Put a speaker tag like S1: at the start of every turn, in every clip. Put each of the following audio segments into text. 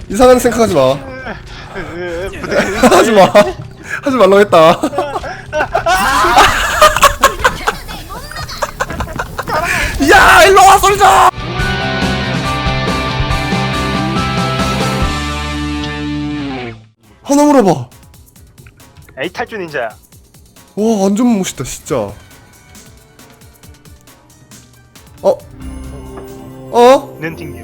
S1: 이상한 생각하지 마. 하지 마. 하지 말라고 했다. 야, 일로 와, 솔져! 하나 물어봐.
S2: 에이 탈주 닌자야.
S1: 와, 완전 멋있다, 진짜.
S2: 는 튕김.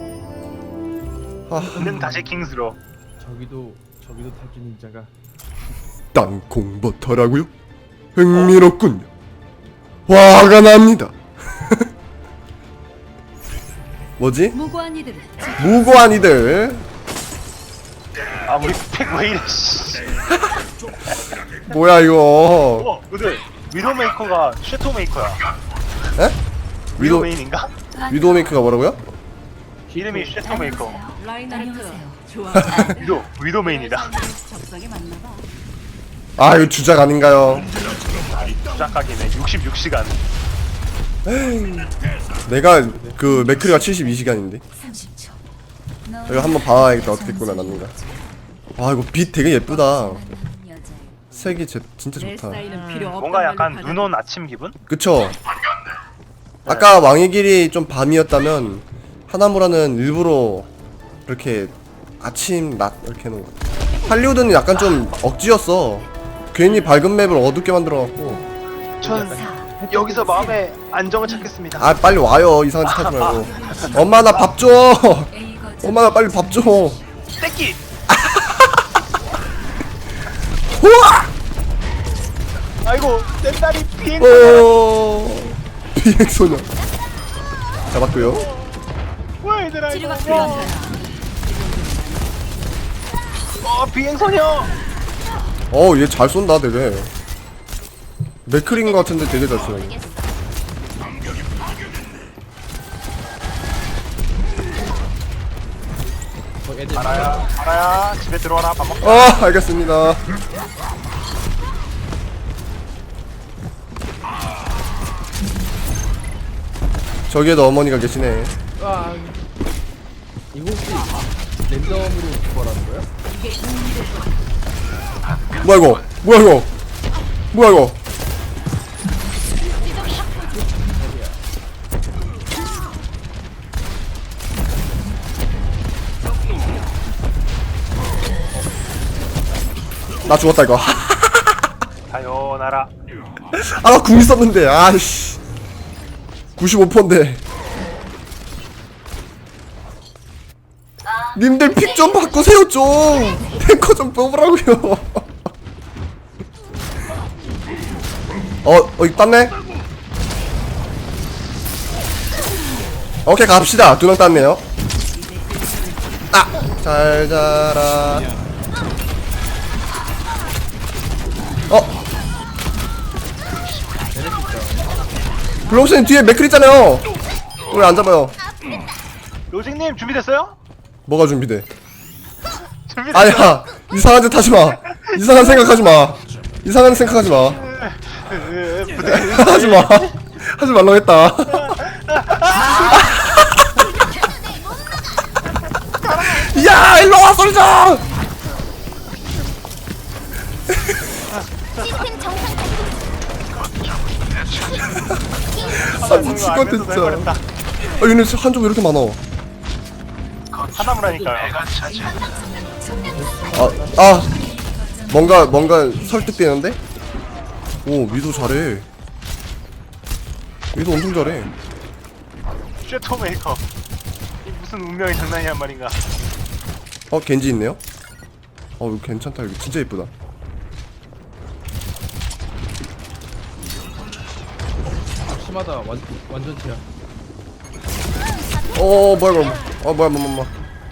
S1: 아,
S2: 는 다시 킹스로.
S3: 저기도 탈주 닌자가
S1: 땅콩버터라고요? 흥미롭군요. 화가 납니다. 뭐지?
S4: 무고한 이들을
S1: 무고한 이들.
S2: 아 우리 팩 왜 이래? 씨.
S1: 뭐야 이거?
S2: 근데 위도메이커가 쉐토메이커야.
S1: 에?
S2: 위도메인인가?
S1: 위도메이크가 뭐라고요?
S2: 이름이 쉐토메이커.
S4: 안녕하세요. 좋아.
S2: 위도메인이다.
S4: 적성에 맞나봐.
S1: 아, 이거 주작 아닌가요?
S2: 주작각이네. 66시간.
S1: 내가 그 맥크리가 72시간인데.
S4: 30초.
S1: 이거 한번 봐야겠다. 어떻게 꾸며놨는가. 와, 이거 빛 되게 예쁘다. 색이 진짜
S4: 내
S1: 좋다.
S4: 사인은 필요 없단
S2: 뭔가 약간
S4: 말로
S2: 눈 온 아침 기분?
S1: 그쵸? 아까 왕의 길이 좀 밤이었다면 하나무라는 일부러 이렇게 아침, 낮 이렇게 해놓은 거. 할리우드는 약간 좀 억지였어. 괜히 밝은 맵을 어둡게 만들어갖고.
S2: 전 여기서 마음의 안정을 찾겠습니다.
S1: 아, 빨리 와요. 이상한 짓 하지 말고. 엄마, 나 밥 줘.
S4: A 거점.
S1: 엄마, 나 빨리 밥 줘.
S2: 떼끼!
S1: 우와!
S2: 아이고 내 딸이 비행.
S1: 비행소녀. 잡았고요.
S2: 와 얘들아
S4: 치료가
S2: 이거.
S4: 필요한
S2: 비행소녀.
S1: 얘 잘 쏜다, 되게. 맥크린 것 같은데 되게 잘 쏘네.
S3: 애들
S2: 알아야 집에 들어와라 밥 먹자.
S1: 알겠습니다. 저기에도 어머니가 계시네.
S3: 이거 혹시 랜덤으로 그거라는 거야?
S1: 뭐야 이거? 뭐야 이거? 뭐야 이거? 나 죽었다 이거.
S2: 다요나라.
S1: 나 궁 있었는데. 아이씨. 95%인데. 님들 픽 좀 바꾸세요 좀. 탱커 좀 뽑으라고요. 이거 땄네? 오케이 갑시다. 2명 땄네요. 잘 자라. 블록스님 뒤에 맥클 있잖아요. 왜 안 잡아요?
S2: 로직님 준비됐어요?
S1: 뭐가 준비돼?
S2: 준비됐어요?
S1: 아야, 이상한 짓 하지마. 이상한 생각하지마. 이상한 생각하지마. 하지마. 하지 말라고 했다. 야, 일로 와, 솔져! 미치겠다 진짜. 얘네 한쪽 왜 이렇게 많아?
S2: 하나무라니까요.
S1: 뭔가 설득되는데? 오, 미도 잘해. 미도 엄청 잘해.
S2: 쉐토메이커. 이 무슨 운명의 장난이란 말인가.
S1: 겐지 있네요? 이거 괜찮다. 이거 진짜 예쁘다.
S3: 심하다. 완전체야.
S1: 뭐야 이거. 뭐야.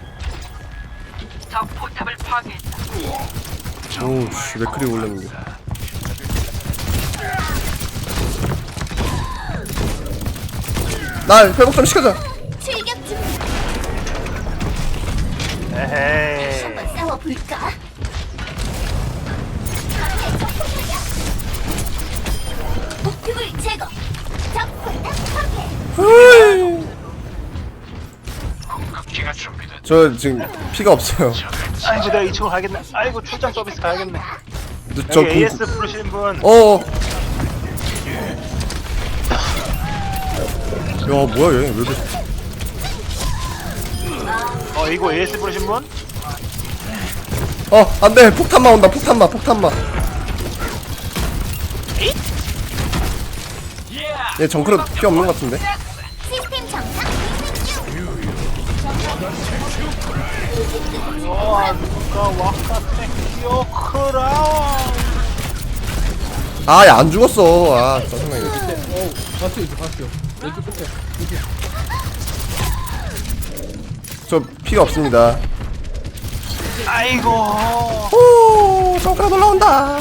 S1: 오씨, 맥크리 올렸는데. 나 회복 좀 시켜줘.
S5: 출격 중.
S2: 에헤이.
S5: 한번 싸워볼까? 목표물 제거. 적 군단 파괴.
S1: 저 지금 피가 없어요.
S2: 아이고 내가 2층으로 가야겠네. 아이고 출장 서비스 가야겠네.
S1: 저
S2: 여기 AS 부르시는 분.
S1: 야 뭐야 얘 왜 이렇게
S2: 이거 AS 부르신 분?
S1: 안돼 폭탄마 온다 폭탄마 얘 정크로 피 없는 것 같은데.
S5: 시스템 정상.
S2: 누가 와카테 기어크라.
S1: 아, 야, 안 죽었어. 아, 짜증나게.
S3: 봤어요. 왼쪽 끝에.
S1: 저 피가 없습니다.
S2: 아이고.
S1: 오, 정크로 올라온다.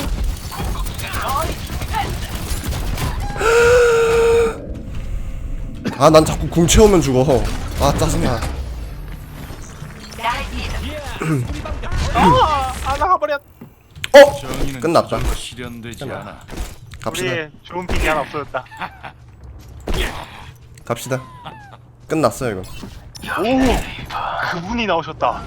S1: 아, 난 자꾸 궁 채우면 죽어. 아, 짜증나.
S2: 나가버렸.
S1: 끝났다.
S6: 실현되지 않아.
S1: 갑시다.
S2: 우리 좋은 픽이 하나 없어졌다.
S1: 갑시다. 끝났어요, 이거.
S2: 오, 그분이 나오셨다.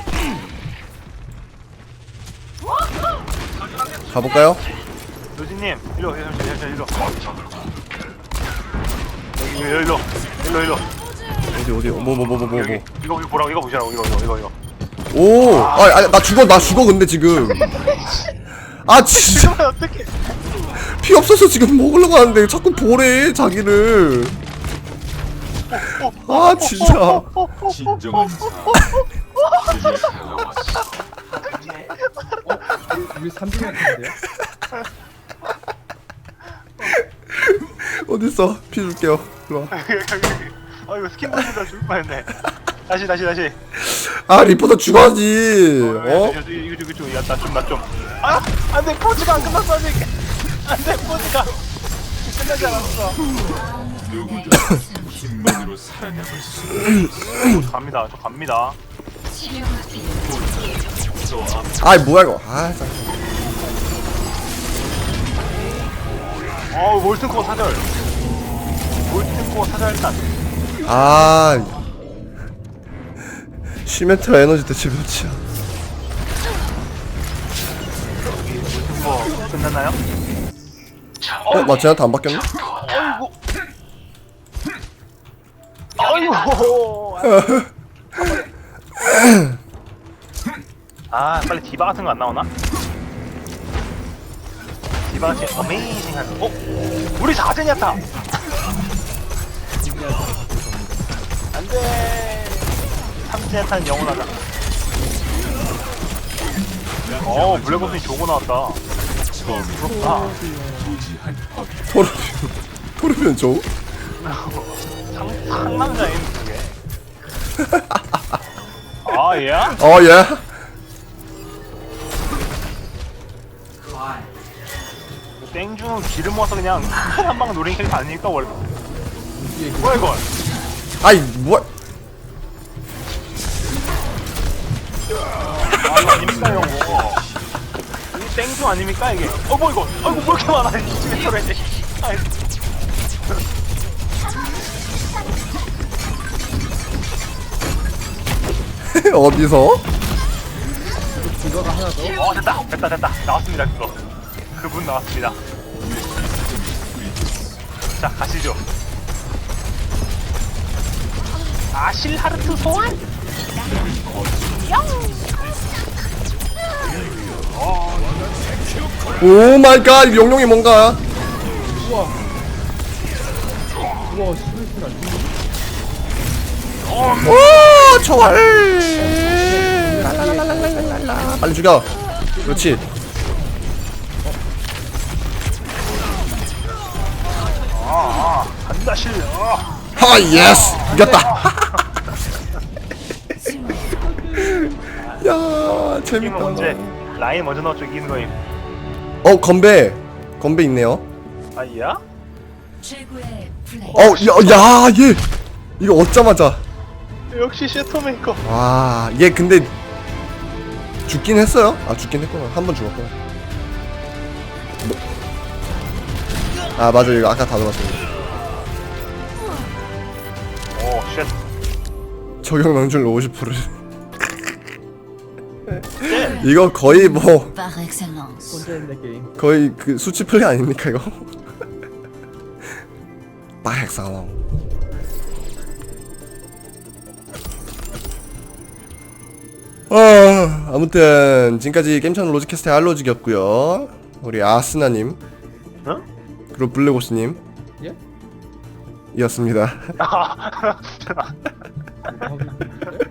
S1: 가볼까요?
S2: 노진님, 일로. 일로.
S1: 어디, 뭐.
S2: 여기, 이거 보라고, 이거 보시라고, 이거.
S1: 오, 나 죽어, 근데 지금. 아, 진짜.
S2: 이러면 어떡해.
S1: 피 없어서 지금 먹으려고 하는데 자꾸 보래, 자기를. 아, 진짜.
S6: 진정한
S3: 우리 3등 같은데요?
S1: 어딨어? 피 줄게요. 일로 와.
S2: 이거 스킨 보니까 죽을 뻔했네. 다시.
S1: 아, 리포터 죽어야지. 어?
S2: 이거 나 좀. 아, 안돼, 포즈가 안 끝났어 아직. 안돼, 포즈가 끝나지 않았어.
S6: 누구도 힘만으로 살아남을 수
S2: 저 갑니다.
S1: 아이, 뭐야, 이거. 아, 짜
S2: 몰튼코어 사절. 몰튼코어 사절 일단.
S1: 아. 시메트라 에너지 대체 몇이야?
S2: 몰튼코어 끝났나요?
S1: 쟤한테 안 바뀌었나?
S2: 아이고. 아, 빨리 디바 같은 거 안 나오나? 디바 같은 어메이징한. 우리 4젠이었다. 안돼. 3젠탄 영원하다. 블랙옵스니 좋은 거 나왔다. 부럽다.
S1: 토르비온 줘?
S2: 상남자인 그게. 예?
S1: 예.
S2: 땡중은 기름 모아서 그냥 한 방 노린 캐릭터 아니니까 원래. 뭐야 이거?
S1: 아이, 뭐야.
S2: 이거 아닙니까 이거? 이 땡중 아닙니까 이게? 뭐 이거? 뭐 이렇게 많아 이 집에 소리.
S1: 어디서?
S3: 이거가 하나 더.
S2: 됐다. 나왔습니다 그거. 그분 나왔습니다. 자 가시죠. 아실하르트 소환.
S1: 오 마이 갓, 용룡이 뭔가.
S3: 우와, 시메트라.
S1: 오, 총알. 랄랄랄랄랄랄라. 빨리 죽여. 그렇지.
S2: 간다 실.
S1: 하, 예스. 이겼다. 야,
S2: 이기면
S1: 재밌다.
S2: 언제 라인 먼저 넣어줘 이기는 거임.
S1: 건배 있네요.
S2: 아이야?
S4: 최고의 플레이.
S1: 얘 이거 얻자마자.
S2: 역시 쉐터메이커.
S1: 와, 얘 근데 죽긴 했어요. 죽긴 했구나. 한 번 죽었구나. 맞아, 이거 아까 다 들었어요.
S2: 오 쉣.
S1: 적용 명중률 50%를. 이거 거의 뭐
S4: Par excellence.
S3: 혼자 있는 게임.
S1: 거의 그 수치 플레이 아닙니까 이거? 빠엑상왕. 아무튼 지금까지 게임찬 로직캐스트의 알로직이었고요. 우리 아스나님
S2: 응?
S1: 그리고 블랙오스님
S3: 예?
S1: 이었습니다.
S3: 아, 네?